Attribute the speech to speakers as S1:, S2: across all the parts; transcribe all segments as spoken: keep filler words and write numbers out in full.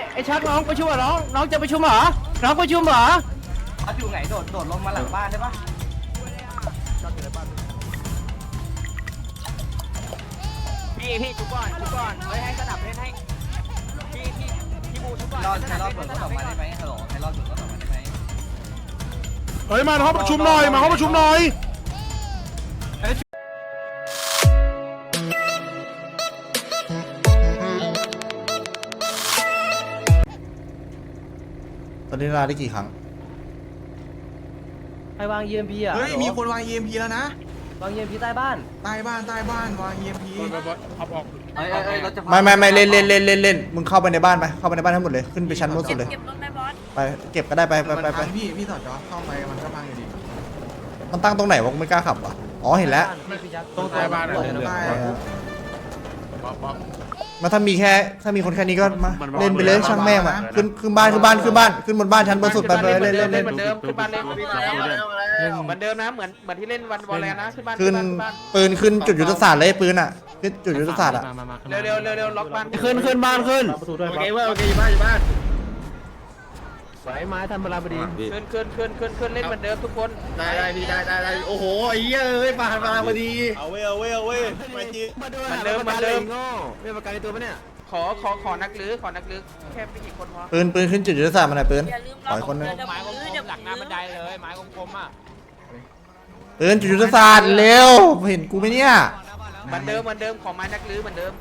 S1: ไอ้ชักน้องประชุมเหรอน้องน้องจะประชุมเหรอน้องประชุมเหรอ
S2: เขาอยู่ไหนโดดโดดลงมาหลังบ้านได้ปะพี่พี่ชุบก่อนชุบก่อนไว้ให้สนับเล่นให้พี่พี่พี่บูชุบก่อนรอดใครรอดเปิดรถออกมาได้ไหมฮัลโหลใครรอดเปิดรถออกมาได้ไหม
S3: เฮ้ยมาห้องประชุมหน่อยมาห้องประชุมหน่อยตอนนี้ลาได้กี่ครั้ง
S1: ใครวาง อี เอ็ม พี อ่ะ
S4: เฮ้ยมีคนวาง อี เอ็ม พี แล้วนะ
S1: วาง อี เอ็ม พี ใต้บ้าน
S4: ใต้บ้านใต้บ้านวาง อี เอ็ม พี
S2: เอ้ยเอ้ยรถจะ
S3: ไม่ไม่ไม่เล่นเล่นเล่นเล่นเล่นมึงเข้าไปในบ้านไปเข้าไปในบ้านทั้งหมดเลยขึ้นไปชั้นบนสุดเลย
S5: เก็บรถไหมบอส
S3: ไปเก็บก็ได้ไปไปไปไป
S4: พี่พี่ต่อจอเข้าไปมันก็พังอยู่ดี
S3: มันตั้งตรงไหนวะกูไม่กล้าขับอ่ะอ๋อเห็นแล้ว
S1: ตรงใต้บ้าน
S3: มาถ้ามีแค่ถ้ามีคนแค่นี้ก็มาเล่นไปเลยช่างแม่งอ่ะขึ้นขึ้นบ้านขึ้นบ้านขึ้นบ้านขึ้นบนบ้านชั้นบนสุดไปไปเล่นเล่นเล่น
S6: เหมือนเดิมขึ้นบ้านเล่นเหมือนเดิมนะเหมือนเหมือนที่เล่นวันวอลเลนนะขึ้นบ้าน
S3: ขึ้นปืนขึ้นจุดยุทธศาสตร์เลยปืนอ่ะขึ้นจุดยุทธศาสตร์อ่ะ
S6: เร็วเร็วเร็วเร็วล็อกบ้าน
S1: ขึ้นขึ้นบ้านขึ้น
S6: โอเคเว้ยโอเคอยู่บ้านอยู่บ้าน
S1: สายไม้ทันเวลาพอดี
S6: ขึ้นขึ้นขึ้นขึ้นขึ้นเล่นเหมือนเดิมทุกคน
S7: ได้ได้ดีได้ได้ได้โอ้โหไอ้เหี้ยเอ้ยมามาพอดีเอาเว้ยเอาเว้ยเอาเว้ยมาจี
S6: เหมือนเดิมเหมือนเดิม
S1: ไม่ประกันในตัวปะเนี่ย
S6: ขอขอขอนักลื้อขอนักลื้อแค่ไม่กี่คนพอ
S3: ปืนปืนขึ้นจุดยุทธศาสตร์มาหน่อยปืน
S5: อย่าลืม
S3: ปล่อยคนนึง
S5: ไม้กลม
S6: หลังหน้าบันไดเลยไม้กลมๆอ่ะ
S3: ปืนจุดยุทธศาสตร์เร็วเห็นกูไหมเนี่ย
S6: เหมือนเดิมเหมือนเดิมขอไม้นักลื้อเหมือนเดิม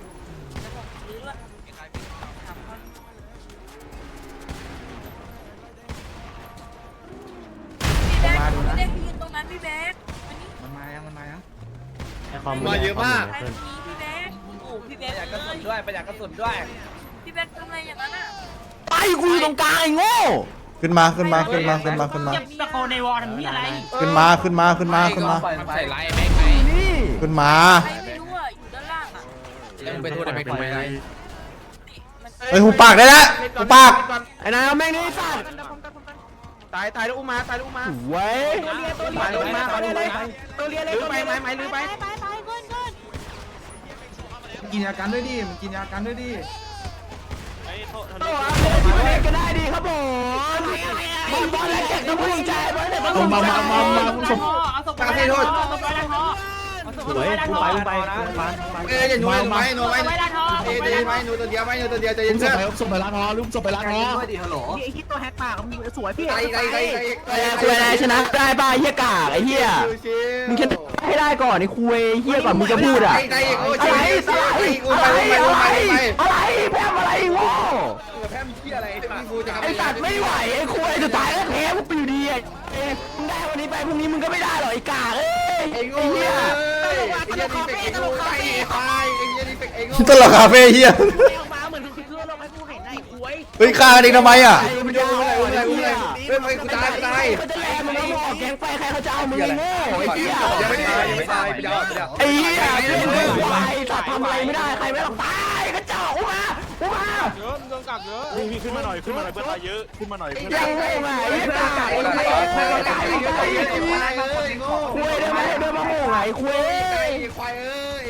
S5: พี่แบ๊กพี่แบ๊กยืนตรงนั้นพี่แบ๊ก
S4: มันมายังมันมายัง
S7: มาเยอะมาก
S5: ใครตรงนี้พี่แบ๊กโอ้พี่แบ๊ก
S2: ประหยัดกระสุนด้วยประหยัดกระสุนด้วย
S5: พี่แบ๊กทำไมอย่างนั้นอ่ะ
S1: ไปกูอยู่ตรงกลางไอ้โง่
S3: ขึ้นมาขึ้นมาขึ้นมาขึ้นมาขึ้นมา
S5: ตะโกนในวอลทำนี่อะไร
S3: ขึ้นมาขึ้นมาขึ้นมาขึ้นมา
S2: ใส่ไลน์
S1: นี่
S3: ขึ้นมา
S5: ใครไม่รู้อ่ะอยู่ด้านล่างอ่ะ
S6: ไปโทษได้ไหมทำไมไร
S3: เฮ้ยหูปากได้แล้วหูปาก
S1: ไอ้นายเอาแม่งนี่สัตว์
S6: ตายตายแล้วอุ้มมาตายแล้วอุ้มมา
S1: ไว้
S6: ตายแล้วอุ้มมาตายแล้วอุ้มมา
S1: ตัวเรียนเลย
S6: ลื้อไปไม้ไม้ลื้อไป
S5: ไปไปขึ้นขึ้น
S4: กินยากันด้วยดิมันกินยากันด้วยดิ
S1: ตัวที่มันเล่นก็ได้ดีครับผมมันบอลแรงเก่งต้องพุ่งใจบอลเนี่ยมันมามามามาสม
S5: เอาศพไปโทษเอาศพไปด้านท้อ
S1: สวยกูไปกูไป
S7: เอ้ยอย่าหนูหนูไว้หนูไว้เอ้ยเดี๋ยวไว้หนูตัวเดียวไว้หนูตัวเดียวใจเย็นเพื่อน
S1: ส่งไปล้างท้อลุกส่งไปล้างท้อ
S2: ด้วยดิฮัลโหล
S5: ไอ้คิดตัวแฮกปากมึงสวยพี่
S7: ไกลไกลไกลไกลไกล
S1: คุยอะไรชนะได้ป่ะเฮียกากไอ้เฮียมึงแค่ให้ได้ก่อนไอ้คุยเฮียก่อนมึงจะพูดอ่ะ
S7: ไกลไกลโอ้
S1: อะไร
S7: ย
S1: อะไร
S7: ไกล
S1: อะไร
S7: ไกลไกลไกล
S1: อะไรแพ้อะไรโง่
S7: แพมเที่ยอะไรพี่กูจะ
S1: ไอ้สัตว์ไม่ไหวไอ้คุยจะตายแล้วแพ้กูไปอยู่ดีไอ้มึงได้วันนี้ไปพรุ่งนี้มึงก็ไม่ได้หรอกไอ้กากเอ้ย
S7: ไอ้โง่
S1: เฮีย
S7: ไอ้เหี้ยนี่เป็นไอ้โง่ไอ้ตายไอ้เหี้ยนี่เป็นไอ้โง่
S3: ตลกคาเฟ่เฮีย
S5: มาเหมือนคือคือลงให้กูเห็นไอ้คุย
S3: เฮ้ยฆ่ากันเองทำไมอ่ะ
S7: ไม่ได้อะไรอะไรอะไรเฮ้ยกูตายกูตาย
S1: เขาจะแลมึงแล้วบอกแกงไฟใครเขาจะเอามึงไอ้โง่ไอ้เฮีย
S7: ยังไม่ตายยังไม่ตายไปเดี๋ยวไปเดี๋ยว
S1: ไอ้เหี้ยเล่นไม่ไหวสัตว์ทำอะไรไม่ได้ใครไม่ต้องตายกระจอกอุมาอุมา
S6: เยอะโดนกักเยอะ
S8: พี่ขึ้นมาหน่อยขึ้นมาหน่อยเพื่อนตายเยอะขึ้นมาหน่อย
S1: ยังไงมาไอ้กาไอ้ไอ้ไอ้ไอ้ไอ้ไอ้คุยได้ไหมเดินมาโง่ไอ้คุย
S7: ควายเอ้ย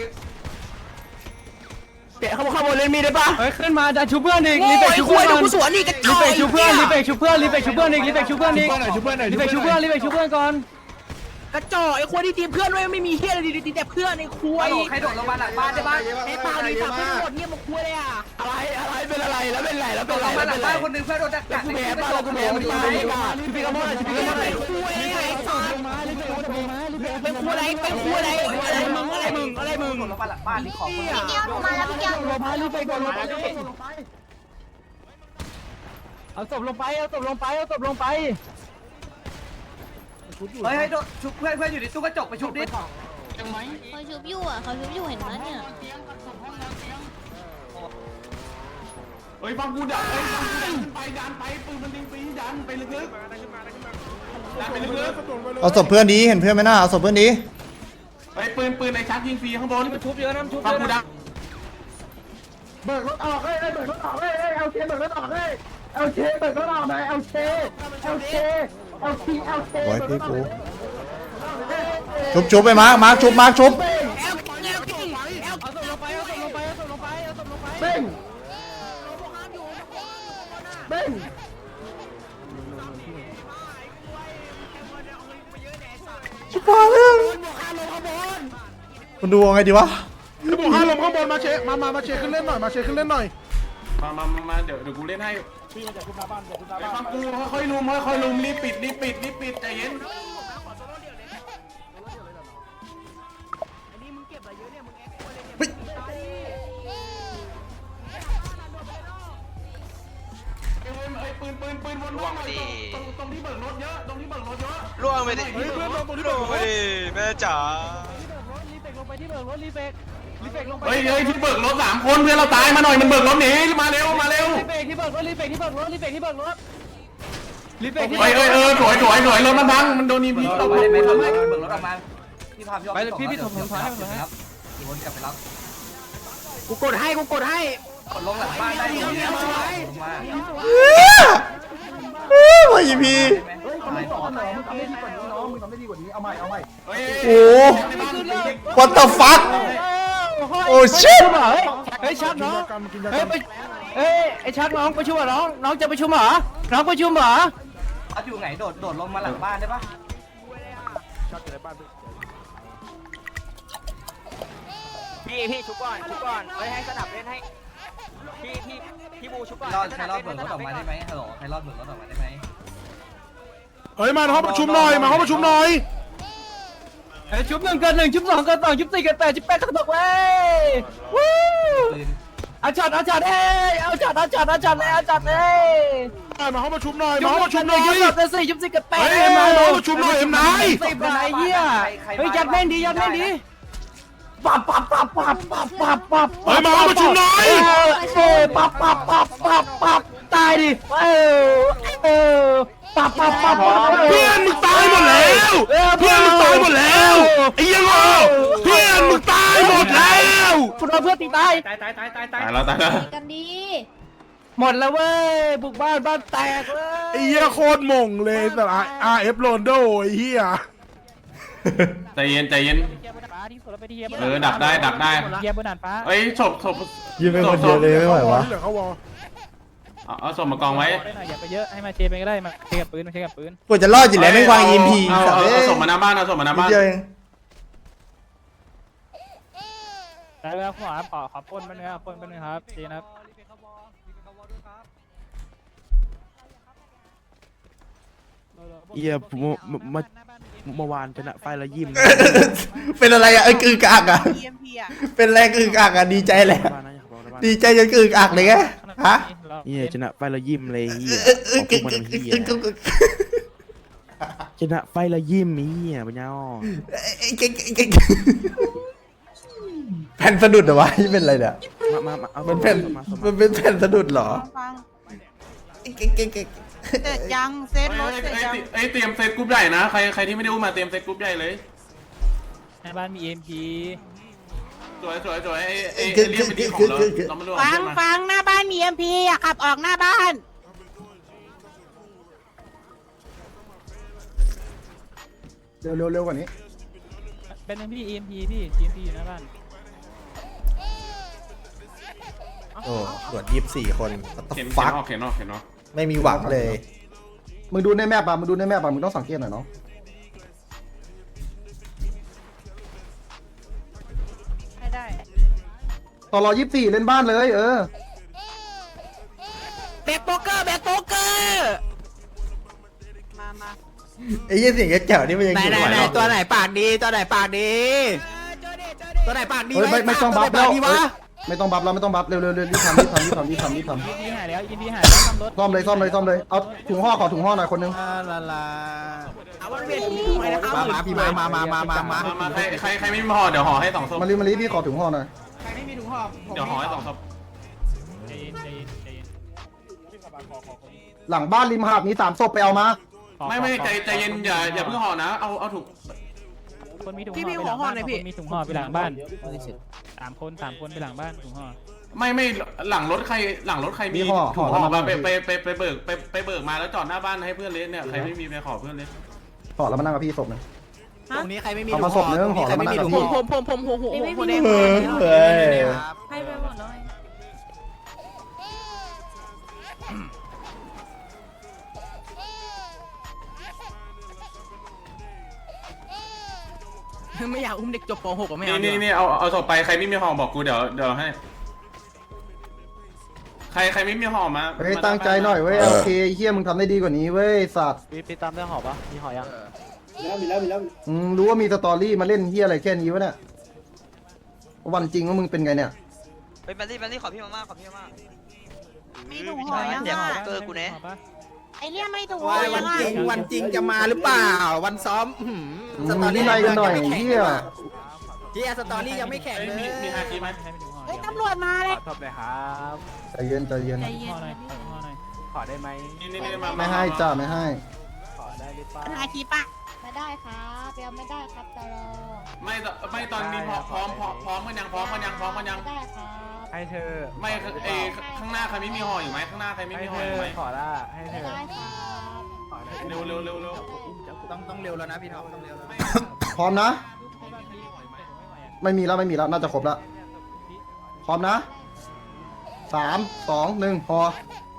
S1: เตะเขาบอกขโมยเล่นมีได้ปะ
S9: เฮ้ยขึ้นมาจะชูเพื่อนอีกรีเฟกชูเพื่อนรีเฟกชูเพื่อนรีเฟกชูเพื่อนรีเฟกชูเพื่อนรีเฟกชูเพื่อนอีกรีเฟกชูเพื่อนอีกรีเฟกชูเพื่อนรีเฟกชูเพื่อนรีเฟกชูเพื่อนก่อน
S5: กระจอกไอ้คุยที่ทีมเพื่อนด้วยไม่มีเฮียอะไรดีๆแต่เพื่อนไอ้คุย
S2: ใครโดดลงมาหลังบ้านได้บ้าง
S5: ไอ้เปล่าดีปากไม่หมดเนี่ยมันคุยเลยอ่ะ
S1: อะไรอะไรเป็นอะไรแล้วเป็นไรแล้ว
S2: โด
S1: เป็น
S2: ด
S1: ไร
S2: ลงมาหลังบ้านคนนึงเพื่อนโดนดักดัก
S1: กูแพ้ป่ะแล้วกูแพ้มันตายพี่พี่กระโมดพี่กระโมด
S5: ไอ้คุยไอ้สัตว์เป็นคุยอะไรเป็นคุยอะไรอะไรมึงอะไรมึงอะไรมึง
S2: โดดลงมาหลังบ้านนี่ของคน
S5: พี่เกียวมาแล้วพี่เกียว
S1: ลงมารีบไปก่อนลงไป
S9: เอาศพลงไปเอาศพลงไปเอาศพลงไป
S2: เฮ้ยให้โดดชุบเพื่อนเพื่อนอยู่ในตู้กระจกไปชุบดิ
S5: เขาชุบอยู่อ่ะเขาชุบอยู่เห็นไหมเนี่ย
S3: เฮ้ยฟังกูดักเฮ้ยฟังกูดันไปดันไปปืนมันยิงปีดันไปลึกๆดันไปลึกๆเอาศพเพื่อนดีเห็นเพื่อนไหมน่าเอาศพเพื่อนดี
S7: ไอ้ปืนปืนในชักยิงฟรีข้างบน
S2: ชุบเยอะนะชุบเย
S7: ฟัง
S2: อะ
S7: กู
S2: นะ
S7: ดัก
S4: เบิกรถออกเฮ้ยเบิกรถออกเฮ้ยเอาเคเบิกรถออกเฮ้ยเอาเคเบิกรถออกหน่อยเอาเคเอาเคเอาเคเอาเค
S3: โอ้ยพี่กูชุบชุบไปมาร์คมาร์คชุบมาร์คชุบ
S4: เบ้งเบ้ง
S3: ชิบหายแล้วมันดูยังไงดีวะ
S1: บุกห้าลมข้างบนมาเชมามามาเชขึ้นเล่นหน่อยมาเชขึ้นเล่นหน่อยมามามาเดี๋ยวเดี๋ยวกูเล่นให้พี่มาจากคุณตาบ้านจากคุณตาบ้านฟังกูค่อยๆลุมค่อยๆลุมรีบปิดรีบปิดรีบปิดใจเย็นปืนปืนปืนวนล่วงดิตรงตรงที่เบิกรถเยอะตรงที่เบิกรถเยอะล่วงไปดิล่วงไปดิแม่จ๋าเฮ้ยเฮ้ยที่เบิกรถสามคนเพื่อนเราตายมาหน่อยมันเบิกรถหนีมาเร็วมาเร็ว
S9: รีเฟกที่เบิกรถรีเฟกที่เบิกรถรีเฟกที่เบิกรถรีเฟกที่
S1: เฮ้ยเฮ้ยเออสวยสวยสวยรถมันพังมันโดนอีพี
S2: เรา
S1: เรา
S2: ไม่
S1: ไม่
S2: ได้
S1: ไม่
S2: ไม่
S1: ไม่
S2: ทำเบิกรถออกมาพี่พาพี่
S9: ไปเลยพี่พี่ถมถมท้ายให้มันเลย
S2: ครับขี่วนกลับไปรับ
S6: กูกดให้กูกดให้
S2: กดลงหลังบ้านได้ลงมา
S3: วายพี
S4: เฮ้ยเขาไม่สอนเหรอมึงทำได้ดีกว่านี้น้องมึงทำได้ดีกว่านี้เอาใหม่เอาใหม่
S3: โอ้ what the fuck โอ้ shit
S9: เฮ้ยชักน้องเฮ้ยไปเฮ้ยไอ้ชักน้องประชุมเหรอน้องน้องจะประชุมเหรอน้องประชุมเหรอ
S2: เขาอยู่ไหนโดดโดดลงมาหลังบ้านได้ปะ
S6: พี่พี่ชุบก่อนชุบก่อนไว้ให้สนับเล่นให้พี่พี่พี่บูชุบก่อน
S2: รอดใครรอดเบิกรถออกมาได้ไหมฮัลโหลใครรอดเบิกรถออกมาได้ไหม
S1: เฮ้ยมาห้องประชุมหน่อยมาห้องประชุมหน่อย
S9: เฮ้ยชุบหนึ่งเกินหนึ่งชุบสองเกินสองชุบสี่เกินแปดชุบแปดกระตกเว้ยวู้เอาจัดเอาจัดเอ้ยเอาจัดเอาจัดเอาจัดเลยเอาจัดเลย
S1: มาห้องประชุมหน่อยมาห้องประชุมหน่อย
S9: ชุบสองสี่ชุบสี่เกินแปด
S1: เฮ้ยมาห้องประชุมหน่อยเอ็มนาย
S9: สิบอะไรเหี้ยเฮ้ยยัดแม่งดียัดแม่งดีปับปับปับปับปับปับปับ
S1: เฮ้ยมาห้องประชุมหน่อย
S9: เออปับปับปับปับปับตายดิเออเออปับปับปับปับ
S1: เพื่อนมึงตายหมดแล้วเพื่อนมึงตายหมดแล้วไอ้ยังโง่เพื่อนมึงตายหมดแล้ว
S9: คุณเอาเพื่อนตีตาย
S8: ตายตายตายตายตา
S1: ตาย ยแล้วตายแล้ว
S5: กันดี
S9: หมดแล้วเว้ยบุกบ้านบ้านแตกเลย
S1: ไอ้เหี้ยโคตรหม่งเลยแต่ อาร์ เอฟ โรนโดไอ้เหี้ยใจเย็นใจเย็นเออดักได้ดักได้
S9: เยียบนด่านฟ้า
S1: เอ้ยศพศพ
S3: ยืนเป็นคนเดียวเลยไม่ไหววะ
S1: เอาเอาศพมากองไว้
S9: อย่าไปเยอะให้มาเชไปก็ได้มาเชกับปืนมาเชกับปืน
S3: กูจะรอดอยู่แล้วไม่วาง อี เอ็ม พี
S1: เอา
S3: สัตว์
S1: เอา
S3: เอ้
S1: เอา
S3: ย
S1: ศพมาหน้าบ้านเอาศพมาหน้า
S3: นิด
S1: บ้าน
S3: เดียวเอง
S9: ได้แล้วขอขอขอปนมันนึงครับปนมันนึงครับเชนะครับ
S8: เอียผมมาเมื่อวานชนะไฟละยิ้ม
S3: เป็นอะไรอ่ะเอ้ยกึกอักอ่ะเป็นอะไรกึกอักอ่ะดีใจแหละดีใจจนกึกอักเลยไงฮะ
S8: เอียชนะไฟละยิ้มเลยเฮีย
S3: เอ้ยกึกกึกกึกกึกกึก
S8: ชนะไฟละยิ้มเฮียปัญญาอ่อน
S3: แผ่นสะดุดเหรอวะนี่เป็นอะไรเนี่ย
S8: มามามาเอา
S3: มันแผ่นมันเป็นแผ่นสะดุดเหรอ
S5: เสร็จยังเซตรถเสร็จยัง
S1: เอ้ยเตรียมเซตกรุ๊ปใหญ่นะใครใครที่ไม่ได้อุ้มมาเตรียมเซตกรุ๊ปใหญ่เลย
S9: ในบ้านมีเอ็มพี
S1: สวยสวยสวยไอ้ไอ้ไอ้เรียกไปดีของเราเราไม่รู้
S5: ฟังฟังหน้าบ้านมีเอ็มพีอ่ะขับออกหน้าบ้าน
S4: เร็วเร็วเร็วกว่านี้
S9: เป็นหนึ่งพี่เอ็มพีพี่เอ็มพีอยู่หน้าบ้าน
S3: โอ้ตรวจยี่สิบสี่คน
S1: เข็น
S3: ฟัก
S1: เข็นออกเข็นออก
S3: ไม่มีหวังเลย
S4: มึงดูในแมปป่ะมึงดูในแมปป่ะมึงต้องสังเกตหน่อยเนาะ
S5: ไม่ได้
S4: ต่อรอยี่สิบสี่เล่นบ้านเลยเออ
S5: แบ็คโป๊กเกอร์แบ็คโป๊กเกอร์มามา
S3: ไอ้ยี่เสียงแจ๋วนี่มันยัง
S6: ไหน
S3: อยู่
S6: ไหน
S3: ไหว
S6: ไหน
S3: หรอ
S6: ตัวไหนปากดีตัวไหนปากดีตัวไหนปากดี
S4: เฮ้ยไม่ไม่ต้องบัฟ
S6: ตั
S4: แล้ว ว
S6: ไหนปากดีวะ
S4: ไม่ต้องบัฟแล้วไม่ต้องบัฟเร็วเร็วเร็วรีบทำรีบทำรีบทำรีบทำรีบท
S9: เอ็มพีหายแล้วเอ็มพีหายแล้วทำรถ
S4: ำซ่อมเลยซ่อมเลยซ่อมเลยเอาถุงห่อขอถุงห่อหน่อยคนนึง
S6: ลาลาเอาวันเวียนถุงไว้นะครับมาพี่มามามามามามา
S1: มาใครใครใครไม่มีห่อเดี๋ยวห่อให้สองศพ
S4: มาลีมาลีพี่ขอถุงห่อหน่อย
S1: เดี๋ยวห่อให้สองศพ
S9: ใจเย็นใจเย็นใจเย็น
S4: หลังบ้านริมหาดมีสามศพไปเอามา
S1: ไม่ไม่ใจใจเย็นอย่าอย่าเพิ่งห่อนะเอาเอาถุง
S9: คนมีถุงห่อไปหลังบ้านคนมีถุงห่อไปหลังบ้านสามคนสามคนไปหลังบ้านถุงห่อ
S1: ไม่ไม่หลังรถใครหลังรถใครมีถุงห่อมาไปไปไปไปเบิกไปไปเบิกมาแล้วจอดหน้าบ้านให้เพื่อนเล่นเนี่ยใครไม่มีไปขอเพื่อนเล่น
S4: ขอแล้วมานั่งกับพี่ศพหนึ่ง
S6: ตรงนี้ใครไม่มี
S4: เอามาศพนึงห่อแล้วมานั่งกับพี่
S6: ผมผมผมผมผมผมผมเอง
S3: เออเฮ้ย
S5: ให้ไปหมดเลยไม่อยากอุ้มเด็กจบป .หก อ่ะไม่
S1: นี่
S5: เอา
S1: นี่นี่เอาเอาศพไปใครไม่มีห่อบอกกูเดี๋ยวเดี๋ยวให้ ใครใครไม่มีห่อมา
S4: เฮ้ยตั้งใจหน่อยเว้ยโอเคเฮียมึงทำได้ดีกว่านี้เว้ยสัตว์
S8: พี่ตามได้หอบปะมีหอยัง
S4: อืมรู้ว่ามีสตอรี่มาเล่นเฮียอะไรแค่นี้วะเนี่ยวันจริงว่ามึงเป็นไงเนี่ย
S2: เป็นแบลลี่แบลลี่ขอพี่มาม่าขอพี่มาม่า
S6: มีถุงห่อยัง
S2: เดี๋ยว
S6: อ่ะ
S2: เกอร์กูเน่
S6: ไอเรียไม่ถุงห่อยังอ่ะ
S5: วันจริงจะมาหรือเปล่าวันซ้อม
S4: มึงมีวินัยกันหน่อยเฮีย
S5: เฮียสตอรี่ยังไม่แข็งเลย
S1: มีมีฮาคิไหม
S6: เฮ้ยตำรวจมาเลย
S8: ทบเลยครับ
S4: ใจเย็นใจเย็น
S6: ใจเย็น
S8: ขอได้ไหม
S1: นี่นี่นี่มา
S4: ไม่ให้จ้าไม่ให้
S8: ขอได้หรือเปล่า
S6: ปัญหาคีปะ
S10: ไม่ได้ครับยังไม่ได้ครับตลอ
S1: ไม่ไม่ตอนนี้พร้อมพร้อมพร้อมพร้อมกันยังพร้อมกันยังพร้อมกันยัง
S10: ไม่ได้ครับ
S8: ให้เธอ
S1: ไม่เอข้างหน้าใครไม่มีห่ออยู่ไหมข้างหน้าใครไม่
S8: ให้
S1: มี
S8: เธ
S1: ห่ออยู่
S8: อ
S1: ไหม
S8: ขอละให้เธ
S10: ไม่
S8: อ
S10: ได้ครับ
S1: เร็วเร็วเร็วเร็ว
S5: ต้องต้องเร็วแล้วนะพี่ท็อปต้องเร็วแล้ว
S4: พร้อมนะ ไม่มีแล้วไม่มีแล้วน่าจะครบแล้วพร้อมนะสามสองหนึ่งพอ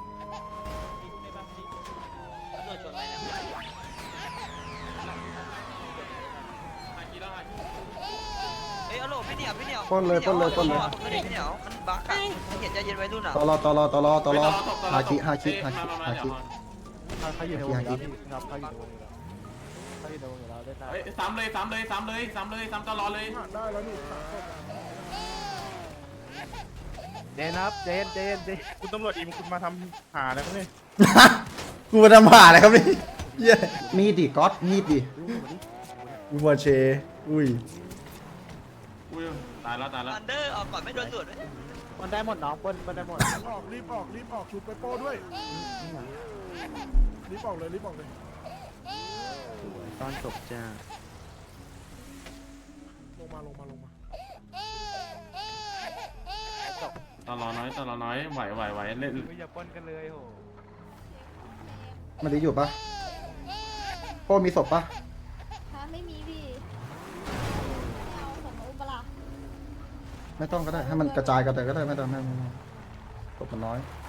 S2: เอ้ยเอาโหลพี่เหนียวพี่เหนียว
S4: ปล้นเลยปล้นเลยปล้นเลย
S2: ผมไม่ได้พี่เหนียวมันบักอะเห็นใจเย็นไว้รุ่นอ่ะ
S4: ตลอตลอตลอตลอฮาคิฮาคิฮาคิ
S1: มามา
S4: ฮา
S1: เดี๋ยว
S4: คิ
S8: เขาอยู่ในวงแล้วพี่ครับเขาอยู่ในวงอยู่แล้วเขาอยู่ในวงอยู่แล้วได้
S1: เฮ้ยซ้ำเลยซ้ำเลยซ้ำเลยซ้ำเลยซ้ำตลอดเลย
S8: เจนครับเจนเจนเจนคุณตำรวจอิมคุณมาทำหาอะไรครับเนี่ย
S3: กูมาทำผ่าอะไรครับนี่เหี้ย
S4: มีดดิก๊อตมีดดิ
S3: กูมาเชอุ้ย
S1: อุ้ยตายแล้วตายแล้ว
S2: อันเดอร์ออกก่อนไม่โดนตรวจเลย
S8: มันได้หมดน้องปนมันได้หมด
S1: ออกรีบออกรีบออกชุดไปโป้ด้วยรีบออกเลยรีบออกเลย
S8: ตอนจบจ้า
S1: ลงมาลงมาลงมาตลอดน้อยตลอดน้อยไหวไหวไหวเล่น
S8: ไม่อย่าปนกันเลยโห
S4: มันได้อยู่ปะโป้มีศพปะ
S10: ฮะไม่มีพี่ไม่เอาส่งมาอุปละ
S4: ไม่ต้องก็ได้ให้มันกระจายกันแต่ก็ได้ไม่ต้องไม่ต้องศพมันน้อย